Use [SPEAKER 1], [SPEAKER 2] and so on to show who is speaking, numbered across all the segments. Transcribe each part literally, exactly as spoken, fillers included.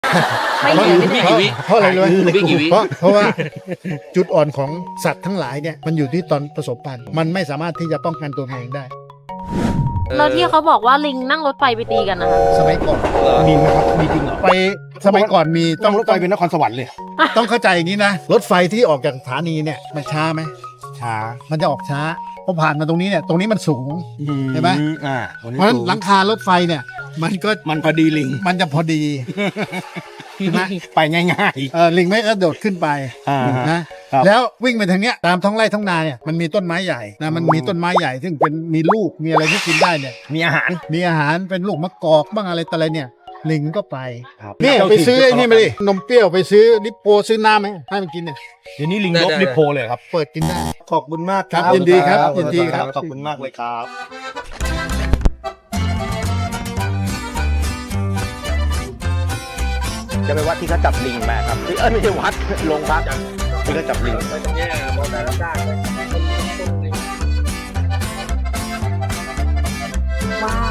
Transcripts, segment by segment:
[SPEAKER 1] ไม่เหลือไม่ได้
[SPEAKER 2] เพราะอะไรรู้ไหม
[SPEAKER 3] ไม่กี่วิ
[SPEAKER 2] เพราะเพราะว่าจุดอ่อนของสัตว์ทั้งหลายเนี่ยมันอยู่ที่ตอนผสมพันธุ์มันไม่สามารถที่จะป้องกันตัวเองได้
[SPEAKER 1] แล้วที่เขาบอกว่าลิงนั่งรถไฟไปตีกันนะคะ
[SPEAKER 2] สมัยก่อน
[SPEAKER 3] มีไหมครับมีจริงเหรอ
[SPEAKER 2] ไปสมัยก่อนมี
[SPEAKER 3] ต้องรถไฟเป็นนครสวรรค์เลย
[SPEAKER 2] ต้องเข้าใจอย่างนี้นะรถไฟที่ออกจากสถานีเนี่ยมันช้าไหม
[SPEAKER 3] ช้า
[SPEAKER 2] มันจะออกช้าพอผ่านมาตรงนี้เนี่ยตรงนี้มันสูง เห็นไหม
[SPEAKER 3] อ่าตรงนี้
[SPEAKER 2] เพราะฉะนั้น
[SPEAKER 3] สูง
[SPEAKER 2] หลังคารถไฟเนี่ยมันก็
[SPEAKER 3] มันพอดีลิง
[SPEAKER 2] มันจะพอดีใช่ไหม
[SPEAKER 3] ไปง่าย
[SPEAKER 2] เออลิงไม่กระโดดขึ้นไป
[SPEAKER 3] ๆอ่าฮะ
[SPEAKER 2] นะครับ แล้ววิ่งไปทางเนี้ยตามท้องไร่ท้องนาเนี่ยมันมีต้นไม้ใหญ่นะมันมีต้นไม้ใหญ่ ซึ่งเป็นมีลูกมีอะไรที่กินได้เนี่ย
[SPEAKER 3] มีอาหาร
[SPEAKER 2] มีอาหารเป็นลูกมะกอกบ้างอะไรต่ออะไรเนี่ยลิงก็ไป
[SPEAKER 3] ครับ
[SPEAKER 2] นี่ไปซื้อไอ้นี่มาดินมเปรี้ยวไปซื้อลิปโปซื้อน้ำไหมให้มันกินเนี่ย
[SPEAKER 3] เดี๋ยวนี้ลิง
[SPEAKER 4] ได้
[SPEAKER 3] ลบ
[SPEAKER 4] ได้
[SPEAKER 3] ลิโพเลยครับ
[SPEAKER 2] เปิดกินได้
[SPEAKER 3] ขอบคุณมาก
[SPEAKER 2] ครับยินดีครับยินดีครับ
[SPEAKER 3] ขอบคุณมากเลยครับ จะไปวัดที่เขาจับลิงมาครับเออไม่ใช่วัดโรงพักที่เขาจับลิง
[SPEAKER 1] ว้าว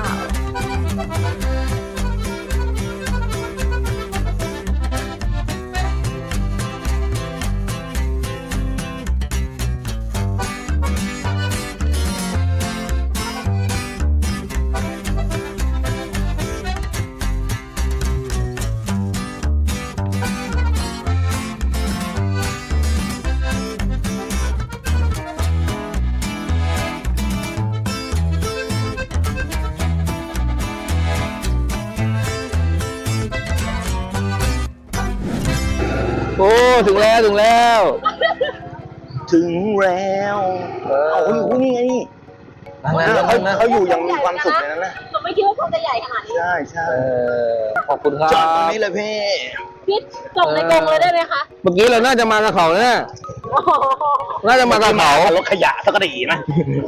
[SPEAKER 4] โอ้ถึงแล้วถึงแล้ว
[SPEAKER 3] ถึงแล้วเอาคนนี้ไงนี่
[SPEAKER 4] นั่งนะ
[SPEAKER 3] เขา
[SPEAKER 4] นั่งนะ
[SPEAKER 3] เขาอยู่อย่างมีความสุขในนั้นนะ
[SPEAKER 1] หนูไม่คิดว่าเขาจะใหญ่ขนาดนี้
[SPEAKER 3] ใช่ใช่
[SPEAKER 4] เออขอบคุณครั
[SPEAKER 3] จอดตรง
[SPEAKER 4] บ
[SPEAKER 3] นี้เลยพี่
[SPEAKER 1] พี่จบในกรงเลยได้ไหมคะ
[SPEAKER 4] เมื่อกี้เราน่าจะมากับเขาเนี่ย
[SPEAKER 1] โอ้โห
[SPEAKER 4] น่าจะมากับเขา
[SPEAKER 3] รถขยะสักกระดีนะ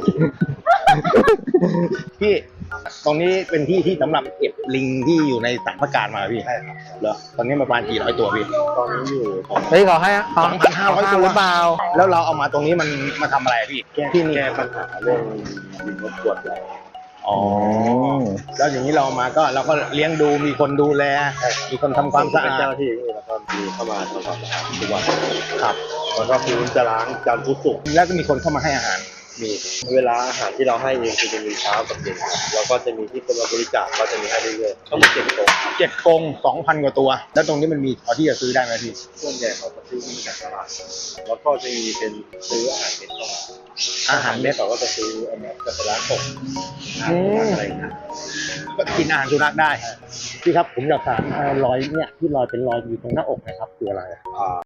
[SPEAKER 3] พี่ตรงนี้เป็นที่ที่สำหรับเก็บลิงที่อยู่ในสารพระการมาพี่ใช่ครับเหรอตอนนี้ประมาณกี่ร้อยตัวพี่ตอนนี้อยู่
[SPEAKER 4] เฮ้ยเขาให้
[SPEAKER 3] สองพันห้าร้อยตัว
[SPEAKER 4] หรือเปล่า
[SPEAKER 3] แล้วเราเอามาตรงนี้มันมาทำอะไรพี่ที่นี่
[SPEAKER 5] แก้ปัญหาเรื่องลิงรบกวนเรา
[SPEAKER 3] อ๋อแล้วอย่างนี้เราเอามาก็เราก็เลี้ยงดูมีคนดูแล มีคนทำความสะ
[SPEAKER 5] เป็น
[SPEAKER 3] อา
[SPEAKER 5] เจ้า
[SPEAKER 3] ด
[SPEAKER 5] หน้าที่นี่แล้วก็มีเข้ามาทำความสะอาดทุกวัน
[SPEAKER 3] ครับ
[SPEAKER 5] แล้วก็พื้นจะล้างจันทร์พุธศุกร์
[SPEAKER 3] แล้วก็มีคนเข้ามาให้อาหาร
[SPEAKER 5] มีเวลาอาหารที่เราให้เองคือจะมีเช้ากับเย็นครับแล้วก็จะมีที่คนมาบริจาคก็จะมีให้เรื่อยๆทั้งหมดเจ็ดโต๊ะครับ
[SPEAKER 3] เจ็ดกรงสองพันกว่าตัว แล้วตรงนี้มันมีพอที่จะซื้อได้ไหมพี่
[SPEAKER 5] ส่วนใหญ่เขาจะซื้อมาจากตลาดแล้วก็จะมีเป็นซื้ออาหารเม็ดเข้ามา
[SPEAKER 3] อาหารเม็ด
[SPEAKER 5] เขาก็จะซื้ออันนี้กับร้านตกอาหารอะไรอย่างเงี้ย
[SPEAKER 3] ก็กินอาหารสุนัขได้ พี่ครับผมอยากถามเอ่อรอยเนี่ยที่รอยเป็นรอยอยู่ตรงหน้าอกนะครับคืออะไรอะ
[SPEAKER 5] อ่า